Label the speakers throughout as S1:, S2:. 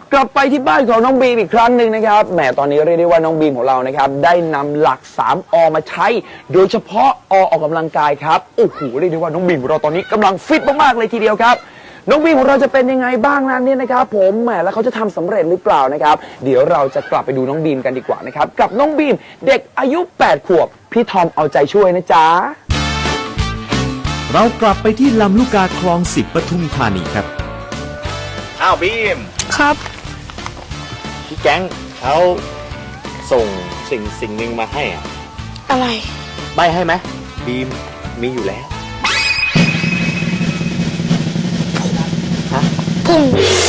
S1: กลับไปที่บ้านของน้องบีมอีกครั้งหนึ่งนะครับแหมตอนนี้เรียกได้ว่าน้องบีมของเรานะครับได้นำหลัก 3 อมาใช้โดยเฉพาะออกกำลังกายครับโอ้โหเรียกได้ว่าน้องบีมของเราตอนนี้กำลังฟิตมากๆเลยทีเดียวครับน้องบีมของเราจะเป็นยังไงบ้างนั้นเนี่ยนะครับผมแหมแล้วเขาจะทำสำเร็จหรือเปล่านะครับเดี๋ยวเราจะกลับไปดูน้องบีมกันดีกว่านะครับกับน้องบีมเด็กอายุ 8 ขวบพี่ทอมเอาใจช่วยนะจ๊ะ
S2: เรากลับไปที่ลำลูกกาคลอง 10 ปทุมธานีครับ
S3: อ้าวบีม
S4: ครับ
S3: พี่แก๊งเขาส่งสิ่งหนึ่งมาให้อ่ะ
S4: อะไร
S3: ใบให้ไหมบีมมีอยู่แล้วฮะ
S4: พุ่ง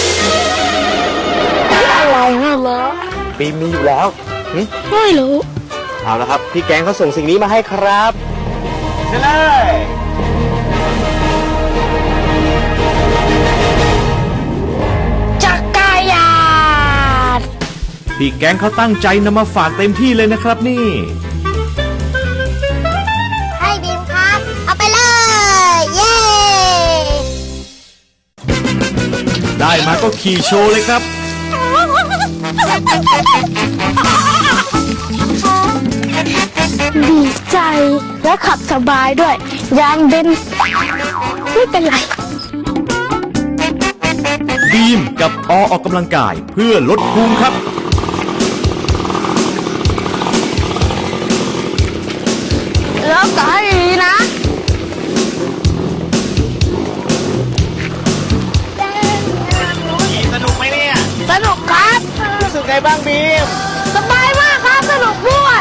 S4: อะไรน่ะเหรอ
S3: บีมมีอยู่แล้ว
S4: ไม่รู้
S3: เอาละครับพี่แก๊งเขาส่งสิ่งนี้มาให้ครับเชิญเลย
S4: จักรยาน
S2: พี่แก๊งเขาตั้งใจนำมาฝากเต็มที่เลยนะครับนี่
S4: ให้บีมครับเอาไปเลย เย้
S2: ได้มาก็ขี่โชว์เลยครับ
S4: ดีใจและขับสบายด้วยยางเบนไม่เป็นไร
S2: บีมกับออกกำลังกายเพื่อลดพุงครับ
S4: แล้วก็ให้ดีนะ
S3: สนุกไหมเนี่ย
S4: สนุกครับ
S3: รู้สึกไงบ้างบีม
S4: สบายมากครับสนุกด้วย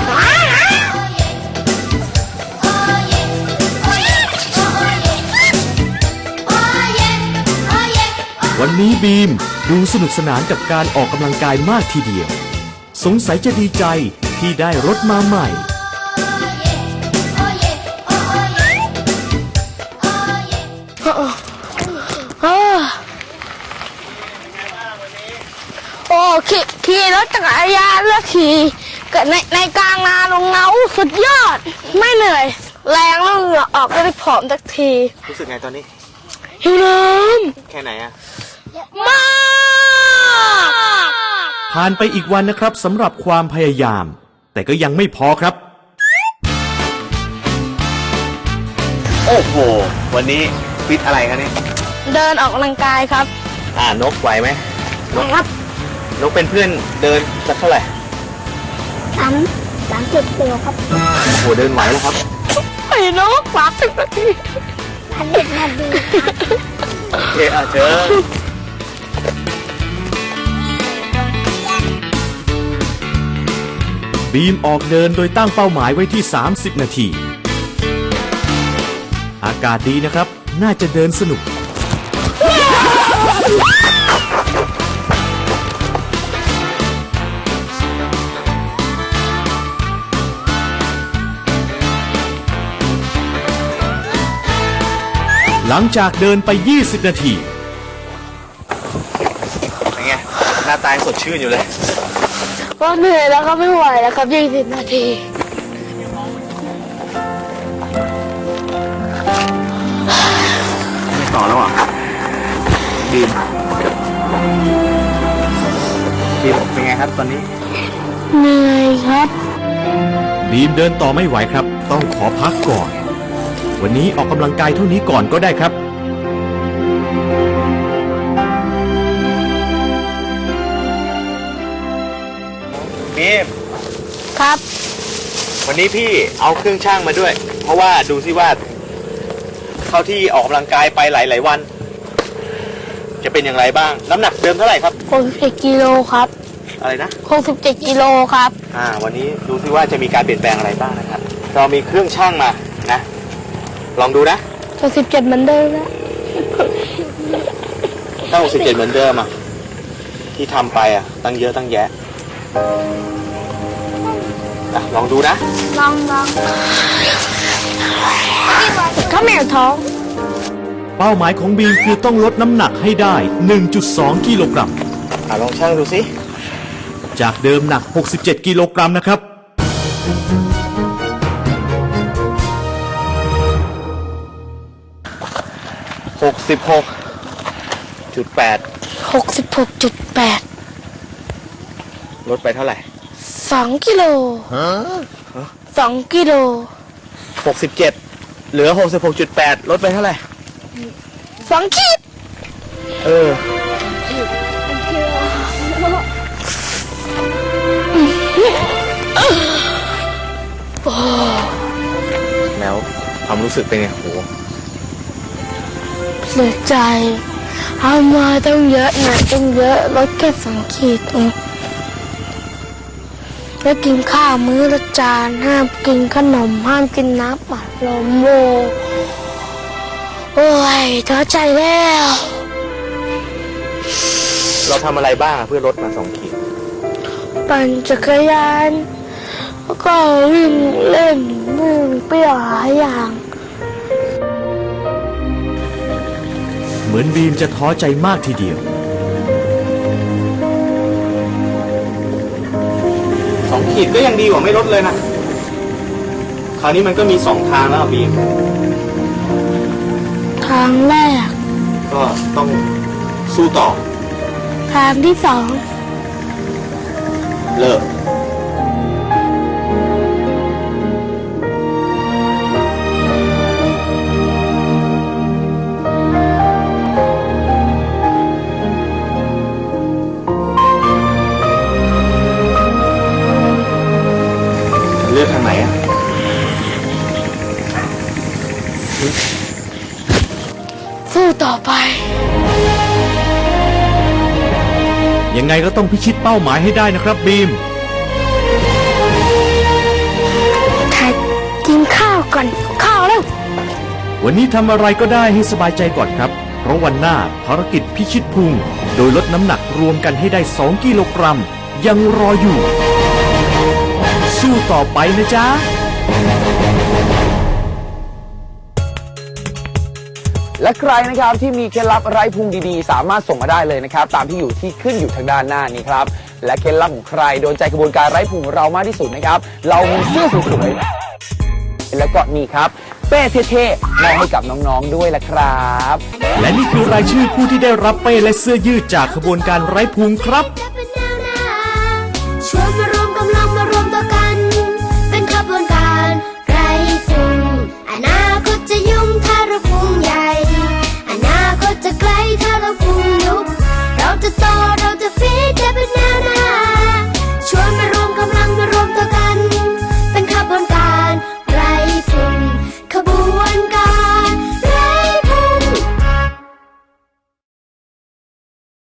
S2: วันนี้บีมดูสนุกสนานกับการออกกำลังกายมากทีเดียวสงสัยจะดีใจที่ได้รถมาใหม่
S4: โอ้ขี่รถจักรยานแล้วขี่ในกลางนาลงเงาสุดยอดไม่เหนื่อยแรงแล้วเหงื่อออกก็ได้ผอมสักที
S3: รู้สึกไงตอนนี้
S4: หิวน้
S3: ำแค่ไหนอะ
S4: มาก
S2: ผ่านไปอีกวันนะครับสำหรับความพยายามแต่ก็ยังไม่พอครับ
S3: โอ้โหวันนี้ฟิตอะไรครับเนี่ย
S4: เดินออกกำลังกายครับ
S3: นกไหวไหม
S4: นกครับ
S3: นกเป็นเพื่อนเดินสักเท่าไหร่
S4: 30 กิโลครับ
S3: โอ้โหเดินไหวแล้วครับ
S4: ไอ้นก30 นาที30 นาที
S3: โอเคเชิญ
S2: บีมออกเดินโดยตั้งเป้าหมายไว้ที่30 นาทีอากาศดีนะครับน่าจะเดินสนุกหลังจากเดินไป20 นาที
S3: เป็นไงหน้าตาสดชื่นอยู่เลย
S4: ก็เหนื่อยแล้วก็ไม่ไหวแล้วครับ20 นาที
S3: ไม่ต่อแล้วอ่ะบีมเป็นไงครับตอนนี้
S4: เหนื่อยครับ
S2: บีมเดินต่อไม่ไหวครับต้องขอพักก่อนวันนี้ออกกำลังกายเท่านี้ก่อนก็ได้ครับ
S3: บีม
S4: ครับ
S3: วันนี้พี่เอาเครื่องช่างมาด้วยเพราะว่าดูสิว่าเข้าที่ออกกำลังกายไปหลายวันจะเป็นอย่างไรบ้างน้ำหนักเดิมเท่าไหร่ครับ
S4: 67 กิโลครับ
S3: อะไรนะ
S4: 67 กิโลครับ
S3: วันนี้ดูสิว่าจะมีการเปลี่ยนแปลงอะไรบ้างนะครับเรามีเครื่องช่างมานะลองดูนะ
S4: 67เหมือนเดิมนะ
S3: ถ้า67เหมือนเดิมอ่ะที่ทำไปอ่ะตั้งเยอะตั้งแยะลองดูนะ
S4: ลองข้าวเหนียวท้อง
S2: เป้าหมายของบีมคือต้องลดน้ำหนักให้ได้ 1.2 กิโลกรัม
S3: ลองชั่งดูสิ
S2: จากเดิมหนัก67 กิโลกรัมนะครับ
S3: 66
S4: 66.8
S3: ลดไปเท่าไหร่
S4: 2 กิโล 2 กิโล
S3: 67 เหลือ 66.8 ลดไปเท่าไหร่
S4: 2 ขีด
S3: เออ แล้วความรู้สึกเป็นไงโห
S4: เสียใจเอามาต้องเยอะหน่อยต้องเยอะลดแค่2 ขีดเองแล้วกินข้าวมื้อละจานห้ามกินขนมห้ามกินน้ำอัดลมโอ้ยท้อใจแล้ว
S3: เราทำอะไรบ้างเพื่อลดมา2 ขีด
S4: ปั่นจักรยานแล้วก็วิ่งเล่นวิ่งเปรี้ยวหลายอย่าง
S2: เหมือนบีมจะท้อใจมากทีเดียว
S3: 2 ขีดก็ยังดีกว่าไม่ลดเลยนะ คราวนี้มันก็มี2 ทางแล้วอะบีม
S4: ทางแรก
S3: ก็ต้องสู้ต่อ
S4: ทางที่2
S3: เลิก เลือกทางไหนอ่ะ
S4: สู้ต่อไป
S2: ยังไงก็ต้องพิชิตเป้าหมายให้ได้นะครับบีม
S4: ถ่ายกินข้าวก่อนข้าวแล้ว
S2: วันนี้ทำอะไรก็ได้ให้สบายใจก่อนครับ เพราะวันหน้าภารกิจพิชิตพุง โดยลดน้ำหนักรวมกันให้ได้ 2 กิโลกรัม ยังรออยู่ สู้ต่อไปนะจ๊ะ
S1: และใครนะครับที่มีเคล็ดลับไร้พุงดีๆ สามารถส่งมาได้เลยนะครับตามที่อยู่ที่ขึ้นอยู่ทางด้านหน้านี้ครับและเคล็ดลับของใครโดนใจกระบวนการไร้พุงของเรามากที่สุดนะครับเรามีเสื้อสวยๆแล้วก็นี่ครับเป้เท่ๆมอบให้กับน้องๆด้วยละครับ
S2: และนี่คือรายชื่อผู้ที่ได้รับเป้และเสื้อยืดจากขบวนการไร้พุงครับ
S5: ชวนมา